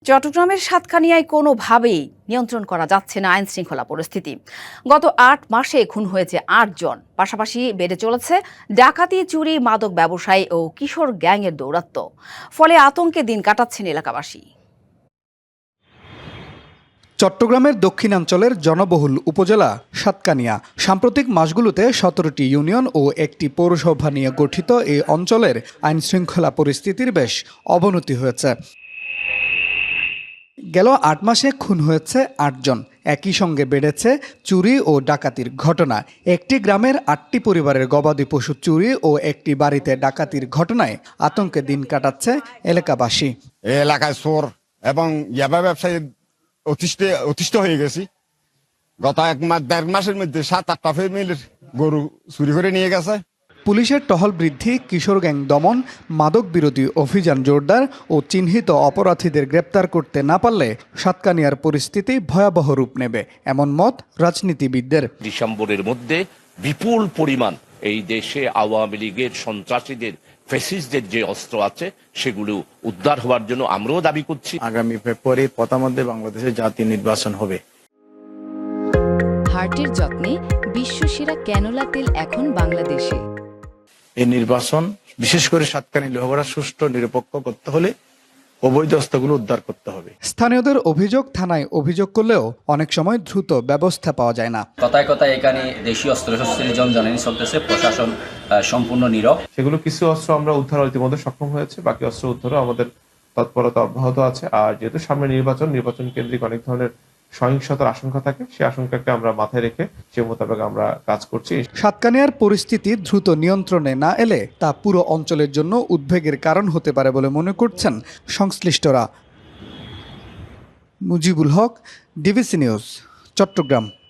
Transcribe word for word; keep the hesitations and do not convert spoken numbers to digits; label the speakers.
Speaker 1: চট্টগ্রামের সাতকানিয়ায় কোনোভাবেই নিয়ন্ত্রণ করা যাচ্ছে না আইন শৃঙ্খলা পরিস্থিতি। গত আট মাসে খুন হয়েছে আট জন, পাশাপাশি বেড়ে চলেছে ডাকাতি, চুরি, মাদক ব্যবসায়ী ও কিশোর গ্যাংয়ের দৌরাত্ম্য। ফলে আতঙ্কে দিন কাটাচ্ছেন এলাকাবাসী।
Speaker 2: চট্টগ্রামের দক্ষিণাঞ্চলের জনবহুল উপজেলা সাতকানিয়া। সাম্প্রতিক মাসগুলোতে সতেরোটি ইউনিয়ন ও একটি পৌরসভা নিয়ে গঠিত এই অঞ্চলের আইন শৃঙ্খলা পরিস্থিতির বেশ অবনতি হয়েছে। গেল আট মাসে খুন হয়েছে আটজন, একই সঙ্গে বেড়েছে চুরি ও ডাকাতির ঘটনা। একটি গ্রামের আটটি পরিবারের গবাদি পশু চুরি ও একটি বাড়িতে ডাকাতির ঘটনায় আতঙ্কে দিন কাটাচ্ছে এলাকাবাসী।
Speaker 3: এলাকায় চোর এবং ইয়াবা ব্যবসায়ী অতিষ্ঠ অতিষ্ঠ হয়ে গেছি। গত এক মাস দেড় মাসের মধ্যে সাত আটটা ফ্যামিলির গরু চুরি করে নিয়ে গেছে।
Speaker 2: পুলিশের টহল বৃদ্ধি, কিশোর গ্যাং দমন, মাদক বিরোধী অভিযান জোরদার ও চিহ্নিত অপরাধীদের গ্রেপ্তার করতে না পারলে সাতকানিয়ার পরিস্থিতি ভয়াবহ রূপ নেবে, এমন মত রাজনীতিবিদদের।
Speaker 4: ডিসেম্বরের মধ্যে বিপুল পরিমাণ এই দেশে আওয়ামী লীগের সন্ত্রাসীদের, ফ্যাসিস্টদের যে অস্ত্র আছে সেগুলো উদ্ধার হওয়ার জন্য আমরাও দাবি করছি।
Speaker 5: আগামী ফেব্রুয়ারির প্রথমার্ধে বাংলাদেশে জাতীয় নির্বাচন হবে।
Speaker 6: হার্টের যত্নে বিশ্বসেরা ক্যানোলা তেল এখন বাংলাদেশে।
Speaker 5: এই নির্বাচন বিশেষ করে সাতকানিয়া লোহাগড়া সুষ্ঠু নিরপেক্ষ করতে হলে অবৈধ অস্ত্রগুলো উদ্ধার করতে হবে।
Speaker 2: স্থানীয়দের অভিযোগ, থানায় অভিযোগ করলেও অনেক সময় দ্রুত ব্যবস্থা পাওয়া যায় না।
Speaker 7: কথায় কথায় এখানে দেশীয় অস্ত্র শস্ত্রের জনজানি চলতেছে, প্রশাসন সম্পূর্ণ নীরব।
Speaker 8: সেগুলো কিছু অস্ত্র আমরা উদ্ধার ইতিমধ্যে সক্ষম হয়েছে, বাকি অস্ত্র উদ্ধারও আমাদের তৎপরতা অব্যাহত আছে। আর যেহেতু সামনে নির্বাচন, নির্বাচন কেন্দ্রিক অনেক ধরনের সহিংসতার আশঙ্কা থাকে, সেই আশঙ্কাকে আমরা মাথায় রেখে সে মোতাবেক আমরা কাজ করছি।
Speaker 2: সাতকানিয়ার পরিস্থিতি দ্রুত নিয়ন্ত্রণে না এলে তা পুরো অঞ্চলের জন্য উদ্বেগের কারণ হতে পারে বলে মনে করছেন সংশ্লিষ্টরা। Mujibul Haque, DBC news, Chittagong.